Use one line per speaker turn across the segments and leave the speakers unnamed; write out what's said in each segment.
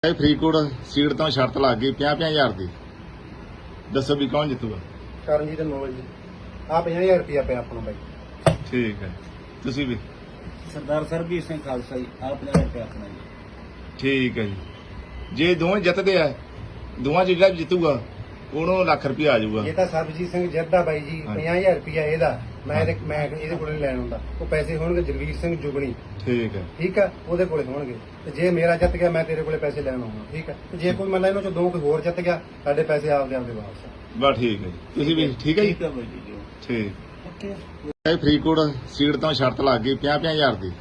ਇਹ ਫਰੀਦਕੋਟ ਸੀਟ ਤੋਂ ਸ਼ਰਤ ਲੱਗ ਗਈ 50,000 ਦੀ। ਦੱਸੋ ਵੀ ਕੌਣ ਜਿੱਤੂਗਾ?
ਕਰਨਜੀਤ ਨੋਵਲ ਜੀ। ਆ 50,000 ਰੁਪਇਆ ਪਿਆ ਆਪਣਾ ਬਾਈ।
ਠੀਕ ਹੈ, ਤੁਸੀਂ ਵੀ?
ਸਰਦਾਰ ਸਰਬਜੀਤ ਸਿੰਘ ਖਾਲਸਾ ਜੀ। ਆ 50,000 ਰੁਪਇਆ ਆਪਣਾ ਜੀ।
ਠੀਕ ਹੈ ਜੀ। ਜੇ ਦੋਵੇਂ ਜਿੱਤਦੇ ਆ, ਦੋਵਾਂ 'ਚ ਜਿਹੜਾ ਵੀ ਜਿੱਤੂਗਾ ਉਹਨੂੰ ਲੱਖ ਰੁਪਇਆ ਆ ਜਾਊਗਾ।
ਇਹ ਤਾਂ ਸਰਬਜੀਤ ਸਿੰਘ ਜਿੱਤਦਾ ਬਾਈ ਜੀ। 50,000 ਰੁਪਇਆ ਇਹਦਾ। ਮੈਂ ਇਹਦੇ ਕੋਲੇ ਲੈਣ ਹੁੰਦਾ। ਉਹ ਪੈਸੇ ਹੋਣਗੇ ਜਗਵੀਰ ਸਿੰਘ ਜੁਗਣੀ।
ਠੀਕ ਹੈ,
ਠੀਕ ਆ, ਉਹਦੇ ਕੋਲੇ ਹੋਣਗੇ। ਤੇ ਜੇ ਮੇਰਾ ਜਿੱਤ ਗਿਆ ਮੈਂ ਤੇਰੇ ਕੋਲੇ ਪੈਸੇ ਲੈਣ ਆਉਂਗਾ। ਠੀਕ ਆ, ਤੇ ਜੇ ਕੋਈ ਮੰਨ ਲਾ ਇਹਨਾਂ ਚੋਂ ਦੋ ਕੋਈ ਹੋਰ ਜਿੱਤ ਗਿਆ, ਸਾਡੇ ਪੈਸੇ ਆਪਦੇ ਵਾਪਸ।
ਬਸ ਠੀਕ ਹੈ ਜੀ। ਤੁਸੀਂ ਵੀ? ਠੀਕ ਹੈ ਜੀ।
ਠੀਕ ਹੈ ਬਾਈ ਜੀ।
ਠੀਕ।
ਓਕੇ।
ਇਹ ਫਰੀਦਕੋਟ ਸੀਟ ਤੋਂ ਸ਼ਰਤ ਲੱਗ ਗਈ 50,000 ਦੀ।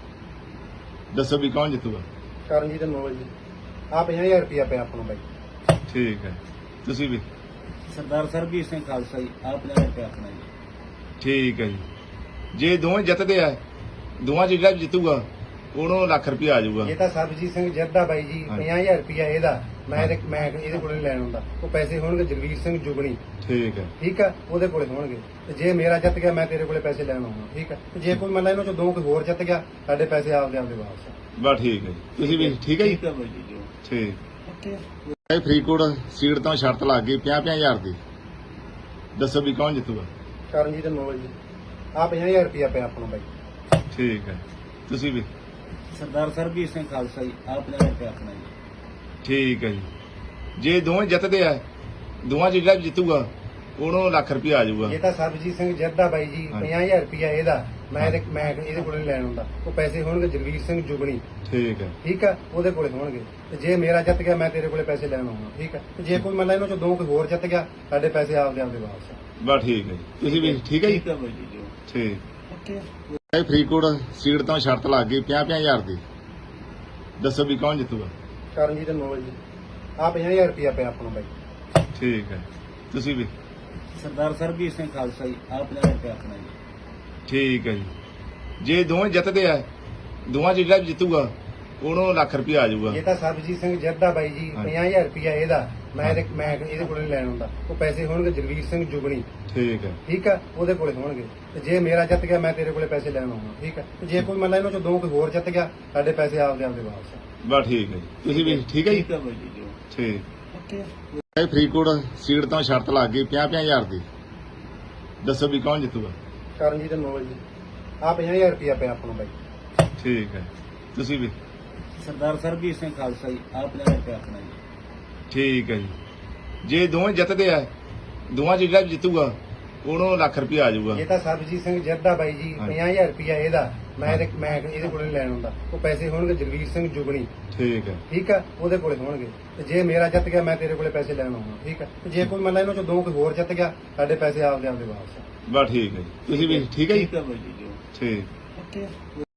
ਦੱਸੋ ਵੀ ਕੌਣ ਜਿੱਤੂਗਾ?
ਕਰਨਜੀਤ ਨੋਵਲ ਜੀ। ਆ 50,000 ਰੁਪਇਆ ਪਿਆ ਆਪਣਾ ਬਾਈ।
ਠੀਕ ਹੈ, ਤੁਸੀਂ ਵੀ?
ਸਰਦਾਰ ਸਰਬਜੀਤ ਸਿੰਘ ਖਾਲਸਾ ਜੀ। ਆ 50,000 ਰੁਪਇਆ ਆਪਣਾ ਜੀ।
ਠੀਕ ਹੈ ਜੀ। ਜੇ ਦੋਵੇਂ ਜਿੱਤਦੇ ਆ, ਦੋਵਾਂ 'ਚ ਜਿਹੜਾ ਵੀ ਜਿੱਤੂਗਾ ਉਹਨੂੰ ਲੱਖ ਰੁਪਇਆ ਆ ਜਾਊਗਾ।
ਇਹ ਤਾਂ ਸਰਬਜੀਤ ਸਿੰਘ ਜਿੱਤਦਾ ਬਾਈ ਜੀ। 50,000 ਰੁਪਇਆ ਇਹਦਾ। ਮੈਂ ਇਹਦੇ ਕੋਲੇ ਲੈਣ ਹੁੰਦਾ। ਉਹ ਪੈਸੇ ਹੋਣਗੇ ਜਗਵੀਰ ਸਿੰਘ ਜੁਗਣੀ।
ਠੀਕ ਹੈ,
ਠੀਕ ਆ, ਉਹਦੇ ਕੋਲੇ ਹੋਣਗੇ। ਤੇ ਜੇ ਮੇਰਾ ਜਿੱਤ ਗਿਆ ਮੈਂ ਤੇਰੇ ਕੋਲੇ ਪੈਸੇ ਲੈਣ ਆਉਂਗਾ। ਠੀਕ ਆ, ਤੇ ਜੇ ਕੋਈ ਮੰਨ ਲਾ ਇਹਨਾਂ ਚੋਂ ਦੋ ਕੋਈ ਹੋਰ ਜਿੱਤ ਗਿਆ, ਸਾਡੇ ਪੈਸੇ ਆਪਦੇ ਵਾਪਸ।
ਬਸ ਠੀਕ ਹੈ ਜੀ। ਤੁਸੀਂ ਵੀ? ਠੀਕ ਹੈ ਜੀ।
ਠੀਕ ਹੈ ਬਾਈ ਜੀ।
ਠੀਕ।
ਓਕੇ।
ਇਹ ਫਰੀਦਕੋਟ ਸੀਟ ਤੋਂ ਸ਼ਰਤ ਲੱਗ ਗਈ 50,000 ਦੀ। ਦੱਸੋ ਵੀ ਕੌਣ ਜਿੱਤੂਗਾ?
ਕਰਨਜੀਤ ਨੋਵਲ ਜੀ। ਆ 50,000 ਰੁਪਇਆ ਪਿਆ ਆਪਣਾ ਬਾਈ।
ਠੀਕ ਹੈ, ਤੁਸੀਂ ਵੀ?
ਸਰਦਾਰ ਸਰਬਜੀਤ ਸਿੰਘ ਖਾਲਸਾ ਜੀ। ਆ 50,000 ਰੁਪਇਆ ਆਪਣਾ ਜੀ।
ਠੀਕ ਹੈ ਜੀ। ਜੇ ਦੋਵੇਂ ਜਿੱਤਦੇ ਆ, ਦੋਵਾਂ 'ਚ ਜਿਹੜਾ ਵੀ ਜਿੱਤੂਗਾ ਉਹਨੂੰ ਲੱਖ ਰੁਪਇਆ ਆ ਜਾਊਗਾ।
ਇਹ ਤਾਂ ਸਰਬਜੀਤ ਸਿੰਘ ਜਿੱਤਦਾ ਬਾਈ ਜੀ। 50,000 ਰੁਪਇਆ ਇਹਦਾ। ਮੈਂ ਇਹਦੇ ਕੋਲੇ ਲੈਣ ਹੁੰਦਾ। ਉਹ ਪੈਸੇ ਹੋਣਗੇ ਜਗਵੀਰ ਸਿੰਘ ਜੁਗਣੀ।
ਠੀਕ ਹੈ,
ਠੀਕ ਆ, ਉਹਦੇ ਕੋਲੇ ਹੋਣਗੇ। ਤੇ ਜੇ ਮੇਰਾ ਜਿੱਤ ਗਿਆ ਮੈਂ ਤੇਰੇ ਕੋਲੇ ਪੈਸੇ ਲੈਣ ਆਉਂਗਾ। ਠੀਕ ਆ, ਤੇ ਜੇ ਕੋਈ ਮੰਨ ਲਾ ਇਹਨਾਂ ਚੋਂ ਦੋ ਕੋਈ ਹੋਰ ਜਿੱਤ ਗਿਆ, ਸਾਡੇ ਪੈਸੇ ਆਪਦੇ ਵਾਪਸ।
ਬਸ ਠੀਕ ਹੈ ਜੀ। ਤੁਸੀਂ ਵੀ? ਠੀਕ ਹੈ ਜੀ।
ਠੀਕ ਹੈ ਬਾਈ ਜੀ।
ਠੀਕ।
ਓਕੇ।
ਇਹ ਫਰੀਦਕੋਟ ਸੀਟ ਤੋਂ ਸ਼ਰਤ ਲੱਗ ਗਈ 50,000 ਦੀ। ਦੱਸੋ ਵੀ ਕੌਣ ਜਿੱਤੂਗਾ?
ਕਰਨਜੀਤ ਨੋਵਲ ਜੀ। ਆ 50,000 ਰੁਪਇਆ ਪਿਆ ਆਪਣਾ ਬਾਈ।
ਠੀਕ ਹੈ, ਤੁਸੀਂ ਵੀ?
ਸਰਦਾਰ ਸਰਬਜੀਤ ਸਿੰਘ ਖਾਲਸਾ ਜੀ। ਆ 50,000 ਰੁਪਇਆ ਆਪਣਾ ਜੀ।
ਠੀਕ ਹੈ ਜੀ। ਜੇ ਦੋਵੇਂ ਜਿੱਤਦੇ ਆ, ਦੋਵਾਂ 'ਚ ਜਿਹੜਾ ਵੀ ਜਿੱਤੂਗਾ ਉਹਨੂੰ ਲੱਖ ਰੁਪਇਆ ਆ ਜਾਊਗਾ।
ਇਹ ਤਾਂ ਸਰਬਜੀਤ ਸਿੰਘ ਜਿੱਤਦਾ ਬਾਈ ਜੀ। 50,000 ਰੁਪਇਆ ਇਹਦਾ। ਮੈਂ ਇਹਦੇ ਕੋਲੇ ਲੈਣ ਹੁੰਦਾ। ਉਹ ਪੈਸੇ ਹੋਣਗੇ ਜਗਵੀਰ ਸਿੰਘ ਜੁਗਣੀ।
ਠੀਕ ਹੈ,
ਠੀਕ ਆ, ਉਹਦੇ ਕੋਲੇ ਹੋਣਗੇ। ਤੇ ਜੇ ਮੇਰਾ ਜਿੱਤ ਗਿਆ ਮੈਂ ਤੇਰੇ ਕੋਲੇ ਪੈਸੇ ਲੈਣ ਆਉਂਗਾ। ਠੀਕ ਆ, ਤੇ ਜੇ ਕੋਈ ਮੰਨ ਲਾ ਇਹਨਾਂ ਚੋਂ ਦੋ ਕੋਈ ਹੋਰ ਜਿੱਤ ਗਿਆ, ਸਾਡੇ ਪੈਸੇ ਆਪਦੇ ਵਾਪਸ।
ਬਸ ਠੀਕ ਹੈ ਜੀ। ਤੁਸੀਂ ਵੀ? ਠੀਕ ਹੈ ਜੀ।
ਠੀਕ ਹੈ ਬਾਈ ਜੀ।
ਠੀਕ।
ਓਕੇ।
ਇਹ ਫਰੀਦਕੋਟ ਸੀਟ ਤੋਂ ਸ਼ਰਤ ਲੱਗ ਗਈ 50,000 ਦੀ। ਦੱਸੋ ਵੀ ਕੌਣ ਜਿੱਤੂਗਾ?
ਕਰਨਜੀਤ ਨੋਵਲ ਜੀ। ਆ 50,000 ਰੁਪਇਆ ਪਿਆ ਆਪਣਾ ਬਾਈ।
ਠੀਕ ਹੈ, ਤੁਸੀਂ ਵੀ?
ਸਰਦਾਰ ਸਰਬਜੀਤ ਸਿੰਘ ਖਾਲਸਾ ਜੀ। ਆ 50,000 ਰੁਪਇਆ ਆਪਣਾ ਜੀ।
ਠੀਕ ਹੈ ਜੀ। ਜੇ ਦੋਵੇਂ ਜਿੱਤਦੇ ਆ, ਦੋਵਾਂ 'ਚ ਜਿਹੜਾ ਵੀ ਜਿੱਤੂਗਾ ਉਹਨੂੰ ਲੱਖ ਰੁਪਇਆ ਆ ਜਾਊਗਾ।
ਇਹ ਤਾਂ ਸਰਬਜੀਤ ਸਿੰਘ ਜਿੱਤਦਾ ਬਾਈ ਜੀ। 50,000 ਰੁਪਇਆ ਇਹਦਾ। ਮੈਂ ਇਹਦੇ ਕੋਲੇ ਲੈਣ ਹੁੰਦਾ। ਉਹ ਪੈਸੇ ਹੋਣਗੇ ਜਗਵੀਰ ਸਿੰਘ ਜੁਗਣੀ।
ਠੀਕ ਹੈ,
ਠੀਕ ਆ, ਉਹਦੇ ਕੋਲੇ ਹੋਣਗੇ। ਤੇ ਜੇ ਮੇਰਾ ਜਿੱਤ ਗਿਆ ਮੈਂ ਤੇਰੇ ਕੋਲੇ ਪੈਸੇ ਲੈਣ ਆਉਂਗਾ। ਠੀਕ ਆ, ਤੇ ਜੇ ਕੋਈ ਮੰਨ ਲਾ ਇਹਨਾਂ ਚੋਂ ਦੋ ਕੋਈ ਹੋਰ ਜਿੱਤ ਗਿਆ, ਸਾਡੇ ਪੈਸੇ ਆਪਦੇ ਵਾਪਸ।
ਬਸ ਠੀਕ ਹੈ ਜੀ। ਤੁਸੀਂ ਵੀ? ਠੀਕ ਹੈ ਜੀ।
ਠੀਕ ਹੈ ਬਾਈ ਜੀ।
ਠੀਕ।
ਓਕੇ।